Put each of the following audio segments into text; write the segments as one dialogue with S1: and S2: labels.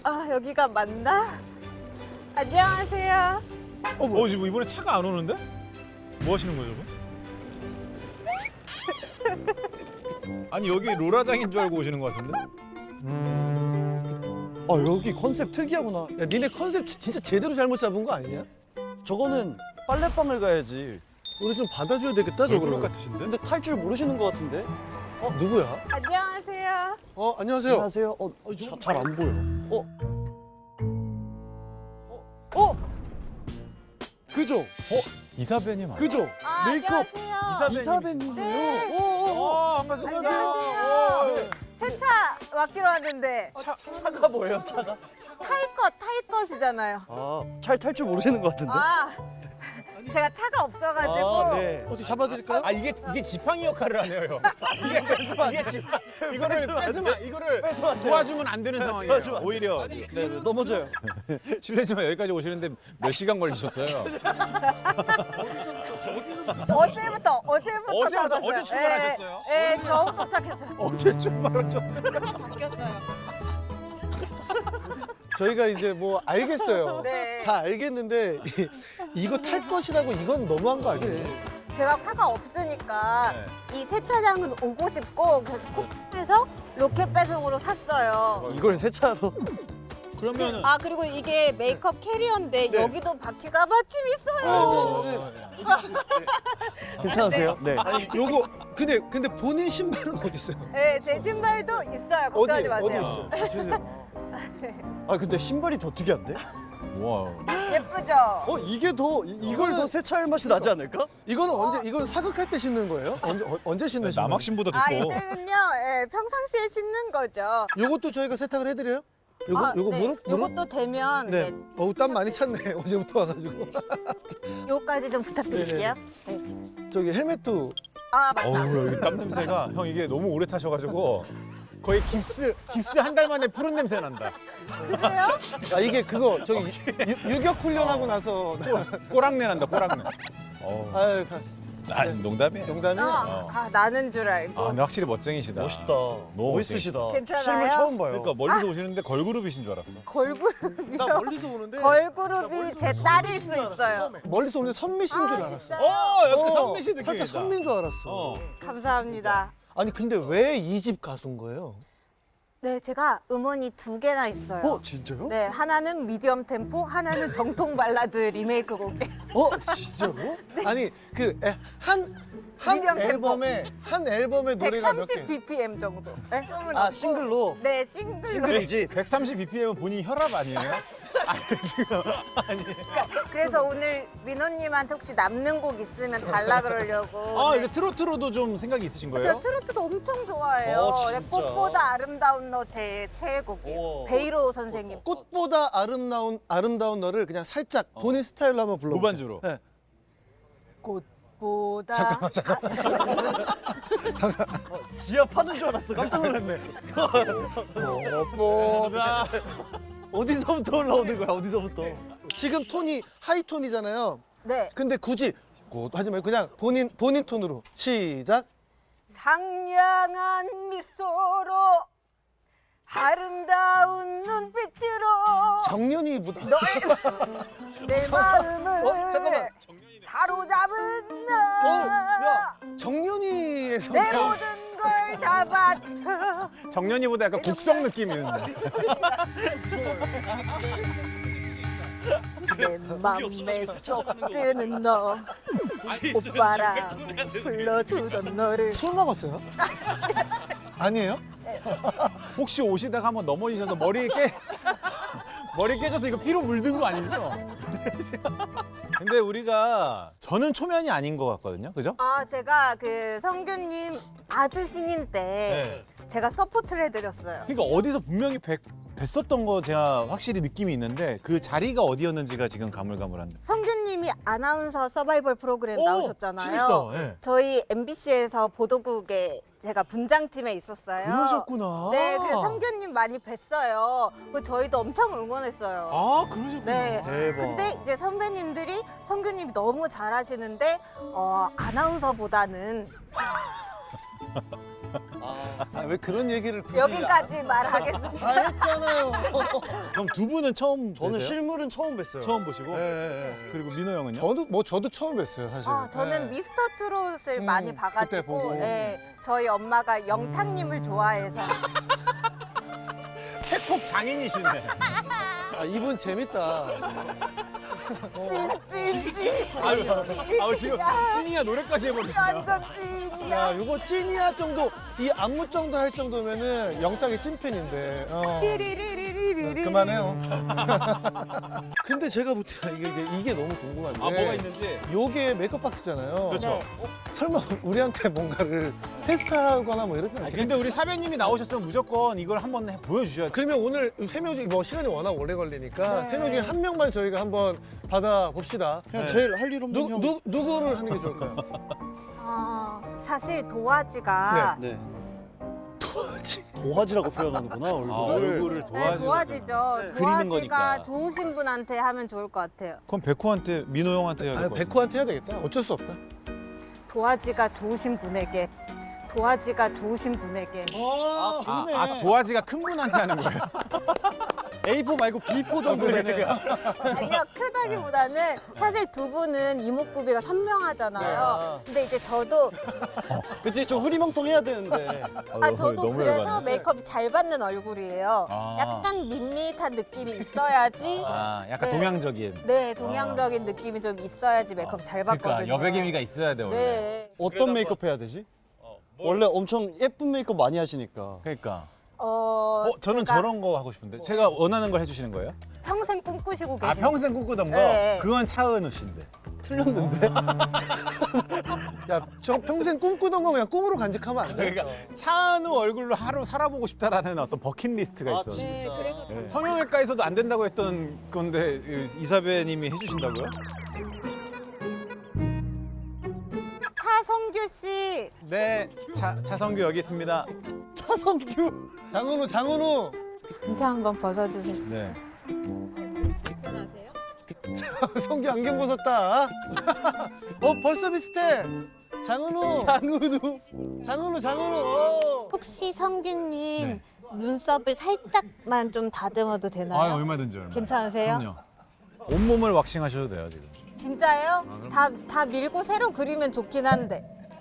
S1: 아, 여기가 맞나? 안녕하세요.
S2: 지금 이번에 차가 안 오는데? 뭐 하시는 거죠, 지금? 아니 여기 로라장인 줄 알고 오시는 것 같은데?
S3: 여기 컨셉 특이하구나. 야, 니네 컨셉 진짜 제대로 잘못 잡은 거 아니냐? 저거는 빨래방을 가야지. 우리 좀 받아줘야 되겠다,
S2: 얼굴
S3: 저거는.
S2: 같으신데?
S3: 근데 탈 줄 모르시는 것 같은데? 누구야?
S1: 안녕하세요.
S3: 안녕하세요. 안녕하세요. 잘 안 보여. 그죠?
S2: 이사배님 아니야?
S3: 그죠?
S1: 아,
S3: 메이크업
S1: 안녕하세요.
S3: 이사배님이에요.
S1: 네.
S3: 반갑습니다.
S1: 안녕하세요. 세차 맡기로 왔는데
S3: 차가 뭐예요, 차가?
S1: 탈 것이잖아요.
S3: 잘 탈 줄 모르시는 것 같은데?
S1: 제가 차가 없어가지고
S3: 네. 어디 잡아드릴까요?
S2: 이게 지팡이 역할을 하네요, 형. 이게 지팡. 이거를
S3: 뺏으면 안 돼요.
S2: 도와주면 안 되는 상황이에요. 오히려
S3: 네, 넘어져요.
S2: 실례지만 여기까지 오시는데 몇 시간 걸리셨어요?
S1: 어제부터
S2: 어제 출발하셨어요?
S1: 네, 겨우 도착했어요.
S2: 어제 출발하셨는데.
S1: 바뀌었어요.
S3: 저희가 이제 뭐 알겠어요.
S1: 네.
S3: 다 알겠는데 이거 탈 것이라고 이건 너무한 거 아니에요?
S1: 제가 차가 없으니까
S2: 네.
S1: 이 세차장은 오고 싶고 그래서 쿠팡에서 로켓 배송으로 샀어요.
S3: 이걸 세차로.
S2: 그러면은
S1: 그리고 이게 메이크업 캐리어인데
S3: 네.
S1: 여기도 바퀴가 마침 있어요.
S3: 괜찮으세요? 네. 아니, 요거 근데 본인 신발은 어디 있어요?
S1: 네, 제 신발도 있어요. 걱정하지 마세요.
S3: 어디 있어요? 근데 신발이 더 특이한데?
S2: 와.
S1: 예쁘죠?
S3: 이게 더 이걸 더 세차할 맛이 나지 않을까? 이거는 이건 사극할 때 신는 거예요? 언제 신는 신발?
S2: 남학신보다 두꺼워.
S1: 이때는요, 평상시에 신는 거죠.
S3: 요것도 저희가 세탁을 해드려요? 요거
S1: 네.
S3: 무릎?
S1: 요것도 되면
S3: 네. 땀 많이 찼네. 어제부터 와가지고.
S1: 요거까지 좀 부탁드릴게요. 네.
S3: 저기 헬멧도
S1: 맞다.
S2: 여기 땀 냄새가 형 이게 너무 오래 타셔가지고 거의 깁스 한 달 만에 푸른 냄새 난다.
S1: 그래요?
S3: 이게 그거 저기 유격 훈련하고 나서
S2: 꼬랑내 난다 꼬랑내.
S3: 아유
S2: 농담이에요.
S3: 농담이야.
S1: 나는 줄 알고.
S2: 근데 확실히 멋쟁이시다.
S3: 멋있다.
S2: 너무
S3: 멋있으시다.
S1: 괜찮아요?
S3: 실물 처음 봐요.
S2: 그러니까 멀리서 오시는데 걸그룹이신 줄 알았어.
S1: 걸그룹이요?
S3: 나 멀리서 오는데
S1: 걸그룹이 제 딸일 수 있어요.
S3: 멀리서 오는데 선미씨인 줄 알았어.
S1: 진짜요?
S2: 약간 선미 씨 느낌이다.
S3: 살짝 선미인 줄 알았어.
S1: 감사합니다.
S3: 아니 근데 왜 이 집 가수인 거예요?
S1: 네, 제가 음원이 2개나 있어요.
S3: 진짜요?
S1: 네, 하나는 미디엄 템포, 하나는 정통 발라드 리메이크 곡.
S3: 진짜로? 아니 한
S1: 미디엄 템포.
S3: 한 앨범에 노래가 몇
S1: 130
S3: 개?
S1: BPM 정도. 네?
S3: 싱글로?
S1: 네, 싱글로.
S3: 싱글이지?
S2: 130 BPM은 본인 혈압 아니에요? 지금
S1: 그래서 오늘 민호님한테 혹시 남는 곡 있으면 달라 그러려고. 네.
S2: 이제 트로트로도 좀 생각이 있으신 거예요?
S1: 저 트로트도 엄청 좋아해요.
S3: 진짜?
S1: 네, 꽃보다 아름다운 너 제 최애곡이에요. 베이로 선생님.
S3: 꽃보다 아름다운 너를 그냥 살짝 본인 스타일로 한번 불러보세요.
S2: 무반주로.
S3: 네.
S1: 꽃보다.
S3: 지압하는 줄 알았어. 깜짝 놀랐네.
S2: 꽃보다
S3: 어디서부터 올라오는 거야? 어디서부터? 지금 톤이 하이톤이잖아요.
S1: 네.
S3: 근데 굳이 하지 말고 그냥 본인 톤으로 시작.
S1: 상냥한 미소로 아름다운 눈빛으로
S3: 정연이보다
S1: 내 마음을
S3: 잠깐만.
S1: 사로잡은
S3: 야
S1: 너
S3: 정연이에서
S1: 내 모든 걸 다 바쳐.
S2: 정연이보다 약간 국성 느낌이 있는데.
S1: 내 맘에 쏙 드는 너 오빠라 불러주던 너를.
S3: 술 먹었어요? 아니에요?
S2: 혹시 오시다가 한번 넘어지셔서 머리 깨져서 이거 피로 물든 거 아니죠? 근데 우리가 저는 초면이 아닌 것 같거든요, 그죠?
S1: 제가 그 성규님 아주 신인 때 제가 서포트를 해드렸어요.
S2: 그러니까 어디서 분명히 뵀었던 거 제가 확실히 느낌이 있는데 그 자리가 어디였는지가 지금 가물가물한데.
S1: 성규님이 아나운서 서바이벌 프로그램 나오셨잖아요.
S2: 진짜, 예.
S1: 저희 MBC에서 보도국에 제가 분장팀에 있었어요.
S3: 그러셨구나.
S1: 네, 그래서 성규님 많이 뵀어요. 그 저희도 엄청 응원했어요.
S2: 그러셨구나.
S1: 네.
S3: 대박.
S1: 근데 이제 선배님들이 성규님이 너무 잘하시는데 아나운서보다는
S3: 왜 그런 얘기를 굳이?
S1: 여기까지 말하겠습니다.
S3: 다 했잖아요.
S2: 그럼 두 분은 처음
S3: 저는
S2: 뵈세요?
S3: 실물은 처음 뵀어요.
S2: 처음 보시고
S3: 예.
S2: 그리고 민호 형은요?
S3: 저도 처음 뵀어요, 사실.
S1: 저는 미스터 트롯을 많이
S3: 그때
S1: 봐가지고
S3: 보고.
S1: 저희 엄마가 영탁님을 좋아해서
S2: 팩폭 장인이시네.
S3: 이분 재밌다.
S1: 찐찐찐
S2: 지금 찐이야 노래까지 해버리시네요.
S1: 완전 찐이야.
S3: 야, 요거 찐이야 정도, 이 안무 정도 할 정도면은 영탁의 찐팬인데.
S1: 띠리리리리리리.
S3: 그만해요. 근데 제가 볼 때 이게 너무 궁금한데.
S2: 뭐가 있는지.
S3: 요게 메이크업 박스잖아요.
S2: 그렇죠.
S1: 네.
S3: 설마 우리한테 뭔가를 테스트하거나 뭐 이러지 않겠지?
S2: 근데 우리 사배님이 나오셨으면 무조건 이걸 한번 보여주셔야 돼.
S3: 그러면 오늘 세 명 중에 뭐 시간이 워낙 오래 걸리니까
S1: 네.
S3: 세 명 중에 한 명만 저희가 한번 받아 봅시다.
S4: 그냥 제일 할 일 없는 형.
S3: 누구를 하는 게 좋을까요?
S1: 사실 도화지가
S4: 네. 도화지라고 표현하는구나 얼굴을.
S2: 얼굴을
S1: 네,
S2: 도와주는.
S1: 도화지죠.
S4: 그리는
S1: 도화지가
S4: 거니까.
S1: 좋으신 분한테 하면 좋을 것 같아요.
S2: 그럼 백호한테 민호 형한테 해야 될 것 같아.
S3: 백호한테 해야 되겠다. 어쩔 수 없다.
S1: 도화지가 좋으신 분에게. 도화지가 좋으신 분에게.
S3: 좋네.
S2: 도화지가 큰 분한테 하는 거예요.
S4: A4 말고 B4 정도 되네.
S1: 아니요, 크다기보다는 사실 두 분은 이목구비가 선명하잖아요. 근데 이제 저도
S4: 그치 좀 흐리멍텅해야 되는데.
S1: 저도 그래서 메이크업이 잘 받는 얼굴이에요.
S2: 아.
S1: 약간 밋밋한 느낌이 있어야지.
S2: 약간
S1: 네.
S2: 동양적인.
S1: 네, 동양적인 느낌이 좀 있어야지 메이크업 잘 받거든요.
S2: 그러니까 여백 의미가 있어야 돼 원래.
S1: 네.
S4: 어떤 메이크업 해야 되지? 원래 엄청 예쁜 메이크업 많이 하시니까.
S2: 그러니까.
S1: 제가
S2: 저는 저런 거 하고 싶은데. 제가 원하는 걸 해주시는 거예요?
S1: 평생 꿈꾸시고 계신
S2: 평생 꿈꾸던 거?
S1: 네.
S2: 그건 차은우 씨인데.
S3: 틀렸는데? 야, 저 평생 꿈꾸던 거 그냥 꿈으로 간직하면 안 돼?
S2: 그러니까 차은우 얼굴로 하루 살아보고 싶다라는 어떤 버킷리스트가 있어.
S1: 네, 그래서
S2: 성형외과에서도 안 된다고 했던 건데 이사배님이 해주신다고요?
S1: 차성규 씨.
S2: 네. 차성규 여기 있습니다.
S4: 차성규.
S3: 장은우.
S1: 이렇게 한번 벗어주실 수 있어요?
S2: 네.
S3: 성규 안경 벗었다. 벌써 비슷해. 장은우.
S1: 혹시 성규님
S2: 네.
S1: 눈썹을 살짝만 좀 다듬어도 되나요?
S2: 얼마든지.
S1: 괜찮으세요?
S2: 그럼요. 온몸을 왁싱하셔도 돼요 지금.
S1: 진짜요? 다 밀고 새로 그리면 좋긴 한데.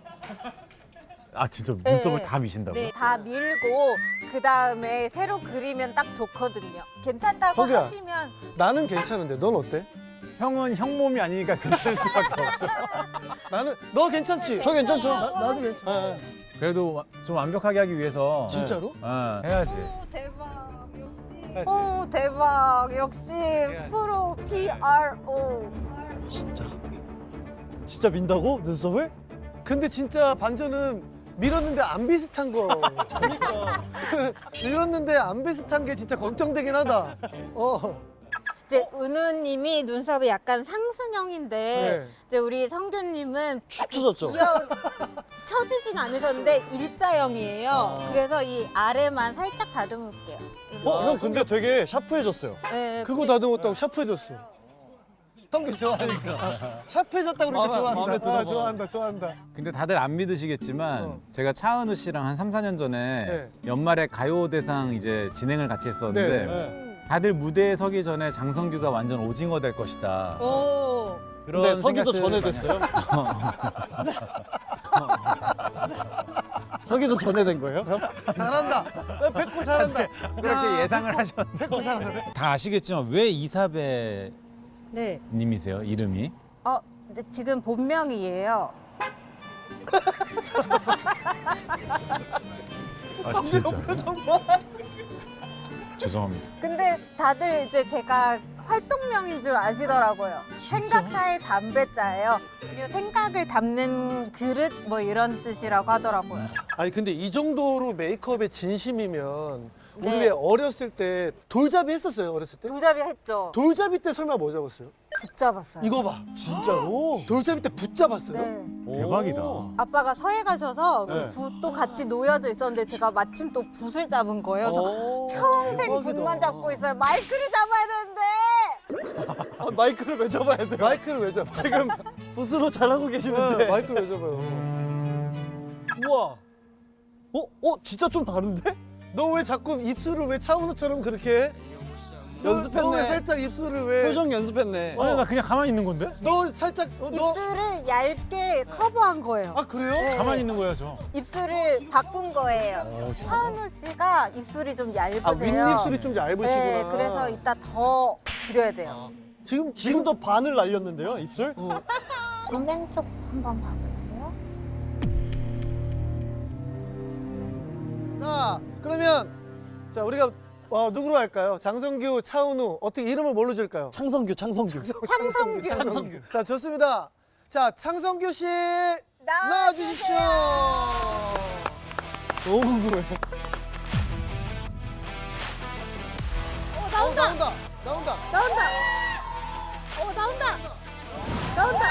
S2: 진짜 눈썹을
S1: 네.
S2: 다 미신다고?
S1: 네, 다 밀고 그 다음에 새로 그리면 딱 좋거든요. 괜찮다고
S3: 성규야.
S1: 하시면
S3: 나는 괜찮은데 넌 어때?
S2: 형은 형 몸이 아니니까 괜찮을 수밖에 없죠.
S3: 너 괜찮지?
S4: 저 괜찮죠?
S3: 나도 괜찮아.
S2: 그래도 좀 완벽하게 하기 위해서
S3: 진짜로?
S2: 해야지.
S1: 오 대박 역시. 오 대박 역시 프로 PRO.
S4: 진짜 민다고 눈썹을?
S3: 근데 진짜 반전은 밀었는데 안 비슷한 거. 그러니까. 밀었는데 안 비슷한 게 진짜 걱정되긴 하다.
S1: 이제 은우님이 눈썹이 약간 상승형인데
S3: 네.
S1: 이제 우리 성규님은
S4: 축 처졌죠?
S1: 귀여운 처지진 않으셨는데 일자형이에요. 그래서 이 아래만 살짝 다듬을게요.
S4: 형 근데 되게 샤프해졌어요.
S1: 네,
S3: 그거 다듬었다고 샤프해졌어. 성규 좋아하니까. 샤프해졌다고 그러니까
S4: 마음에
S3: 좋아한다. 좋아한다.
S2: 근데 다들 안 믿으시겠지만 제가 차은우 씨랑 한 3, 4년 전에
S3: 네.
S2: 연말에 가요대상 이제 진행을 같이 했었는데
S3: 네.
S2: 다들 무대에 서기 전에 장성규가 완전 오징어 될 것이다.
S1: 오.
S2: 그런
S4: 근데 서기도 전에
S2: 생각들을 많이
S4: 됐어요? 서기도 전에 된 거예요?
S3: 잘한다. 백호 잘한다.
S2: 그렇게 예상을 하셨는데 다 아시겠지만 왜 이사배
S1: 네.
S2: 님이세요? 이름이?
S1: 근데 지금 본명이에요.
S2: 진짜. 죄송합니다.
S1: 근데 다들 이제 제가 활동명인 줄 아시더라고요. 생각사의 잠배자예요. 이게 생각을 담는 그릇 뭐 이런 뜻이라고 하더라고요.
S3: 아니 근데 이 정도로 메이크업에 진심이면 우리
S1: 네.
S3: 왜 어렸을 때 돌잡이 했었어요? 어렸을 때?
S1: 돌잡이 했죠.
S3: 돌잡이 때 설마 뭐 잡았어요?
S1: 붙잡았어요.
S3: 이거 봐. 진짜로? 돌잡이 때 붙잡았어요?
S1: 네.
S2: 대박이다.
S1: 아빠가 서해 가셔서
S3: 네.
S1: 그 붓도 같이 놓여져 있었는데 제가 마침 또 붓을 잡은 거예요. 그래서 평생
S3: 대박이다.
S1: 붓만 잡고 있어요. 마이크를 잡아야 되는데.
S4: 마이크를 왜 잡아야 돼요?
S3: 마이크를 왜 잡아?
S4: 지금 붓으로 잘하고 계시는데.
S3: 마이크를 왜 잡아요? 우와.
S4: 진짜 좀 다른데?
S3: 너 왜 자꾸 입술을 왜 차은우처럼 그렇게 해?
S4: 연습했네.
S3: 너 왜 살짝 입술을 왜?
S4: 표정 연습했네.
S2: 아니 나 그냥 가만히 있는 건데?
S3: 너 살짝 너.
S1: 입술을 얇게 커버한 거예요.
S3: 아 그래요?
S2: 가만히 있는 거야 저.
S1: 입술을 바꾼 거예요. 차은우 씨가 입술이 좀 얇으세요.
S3: 아 윗입술이 좀 얇으시구나.
S1: 네, 그래서 이따 더 줄여야 돼요.
S3: 지금도
S4: 반을 날렸는데요, 입술?
S1: 정면 쪽 한번 봐보세요.
S3: 자 그러면 자 우리가 누구로 할까요? 장성규, 차은우 어떻게 이름을 뭘로 지을까요?
S4: 창성규.
S1: 창성규.
S3: 자 좋습니다. 자 창성규 씨 나와주십시오.
S4: 너무 궁금해.
S1: 나온다.
S3: 나온다.
S1: 나온다. 나온다. 나온다.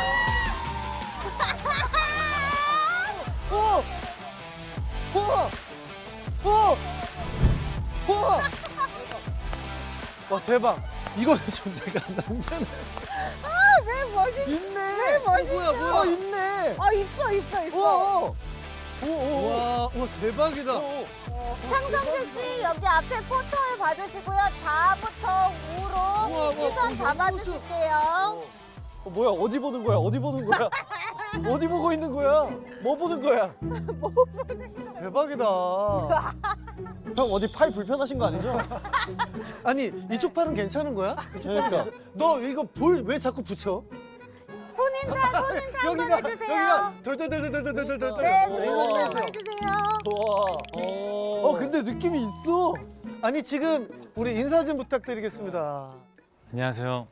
S3: 와 대박. 이거는 좀 내가 남자는
S1: 왜 멋있?
S3: 있네.
S1: 왜 멋있어?
S3: 뭐야 있네.
S1: 있어.
S3: 와 대박이다.
S1: 창성규 씨 여기 앞에 포토를 봐주시고요. 좌부터 우로
S3: 우와,
S1: 시선 잡아주실게요.
S4: 뭐야? 어디 보는 거야? 어디 보는 거야? 어디 보고 있는 거야? 뭐 보는 거야?
S3: 대박이다.
S4: 형 어디 팔 불편하신 거 아니죠?
S3: 아니 이쪽 팔은 괜찮은 거야?
S4: 그러니까.
S3: 너 이거 볼 왜 자꾸 붙여?
S1: 손인사 한번 해주세요.
S3: 돌돌돌돌돌돌돌.
S1: 네,
S3: 인사 좀
S1: 손인사 한번
S3: 해주세요.
S1: 해주세요.
S4: 와. 근데 느낌이 있어.
S3: 아니 지금 우리 인사 좀 부탁드리겠습니다.
S2: 안녕하세요.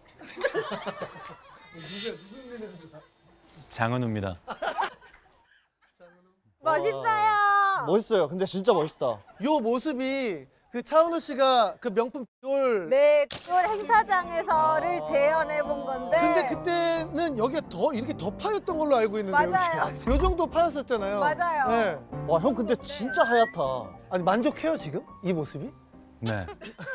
S2: 장은우입니다.
S1: 멋있어요.
S4: 멋있어요. 근데 진짜 멋있다.
S3: 요 모습이 그 차은우 씨가 그 명품 돌.
S1: 네, 올 행사장에서를 재현해 본 건데.
S3: 근데 그때는 여기가 더 이렇게 더 파였던 걸로 알고 있는데
S1: 맞아요.
S3: 여기. 요 정도 파였었잖아요.
S1: 맞아요.
S3: 네.
S4: 와, 형 근데 진짜 하얗다.
S3: 아니 만족해요 지금 이 모습이?
S2: 네.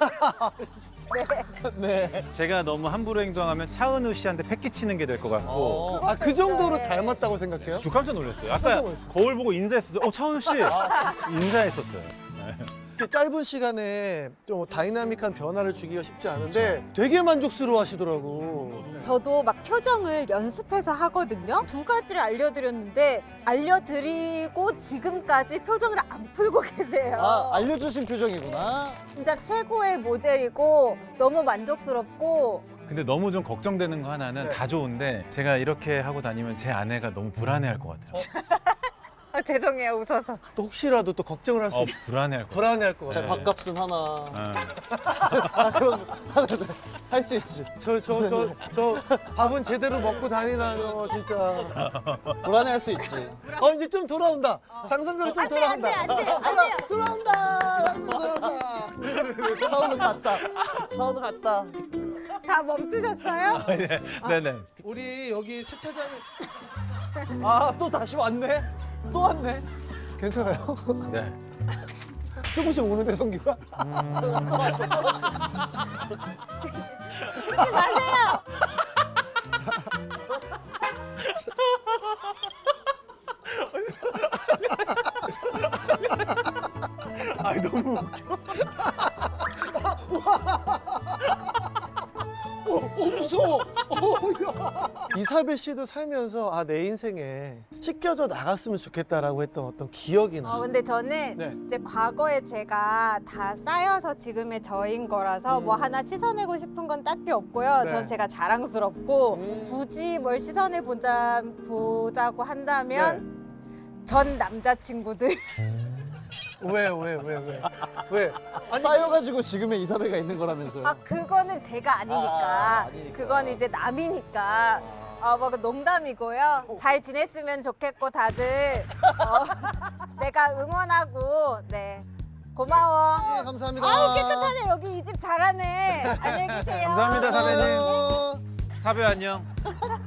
S4: 네.
S2: 제가 너무 함부로 행동하면 차은우 씨한테 패기치는 게 될 것 같고.
S3: 아 그 정도로
S1: 네.
S3: 닮았다고 생각해요?
S2: 저 깜짝 놀랐어요.
S3: 깜짝
S2: 아까
S3: 놀랐어요.
S2: 거울 보고 인사했었어요. 차은우 씨. 인사했었어요. 네.
S3: 이렇게 짧은 시간에 좀 다이나믹한 변화를 주기가 쉽지 않은데 되게 만족스러워 하시더라고.
S1: 저도 막 표정을 연습해서 하거든요. 두 가지를 알려드렸는데 알려드리고 지금까지 표정을 안 풀고 계세요.
S4: 알려주신 표정이구나.
S1: 진짜 최고의 모델이고 너무 만족스럽고
S2: 근데 너무 좀 걱정되는 거 하나는
S3: 네.
S2: 다 좋은데 제가 이렇게 하고 다니면 제 아내가 너무 불안해할 것 같아요.
S1: 죄송해요 웃어서.
S3: 또 혹시라도 또 걱정을 할 수 있어.
S2: 불안해할 것 같아요.
S3: 불안해할 것
S4: 자,
S3: 같아.
S4: 밥값은 하나.
S2: 네.
S4: 그럼 할 수 있지.
S3: 저 밥은 제대로 먹고 다니나요 진짜.
S4: 불안해할 수 있지.
S3: 이제 좀 돌아온다. 장성규는 좀 돌아온다.
S1: 안 돼요.
S3: 돌아온다.
S4: 차은우 갔다. 차은우 갔다.
S1: 다 멈추셨어요?
S2: 네네.
S3: 우리 여기 세차장에
S4: 또 다시 왔네. 또 왔네.
S3: 괜찮아요?
S2: 네.
S3: 조금씩 오는데 성규가?
S1: 찍지 마세요.
S2: 아니 너무 웃겨.
S3: 무서워. 이사벨 씨도 살면서 내 인생에 씻겨져 나갔으면 좋겠다라고 했던 어떤 기억이 나.
S1: 근데 저는
S3: 네.
S1: 이제 과거에 제가 다 쌓여서 지금의 저인 거라서 뭐 하나 씻어내고 싶은 건 딱히 없고요.
S3: 네.
S1: 전 제가 자랑스럽고 굳이 뭘 보자고 한다면 전 남자친구들
S3: 왜? 아니
S4: 쌓여가지고 지금의 이사배가 있는 거라면서요.
S1: 그거는 제가 아니니까.
S4: 아니니까.
S1: 그건 이제 남이니까. 뭐 농담이고요. 잘 지냈으면 좋겠고 다들 내가 응원하고 네 고마워.
S3: 네, 감사합니다.
S1: 아우 깨끗하네 여기 이 집 잘하네. 안녕히 계세요.
S2: 감사합니다, 사장님.
S3: 어,
S2: 사배 안녕.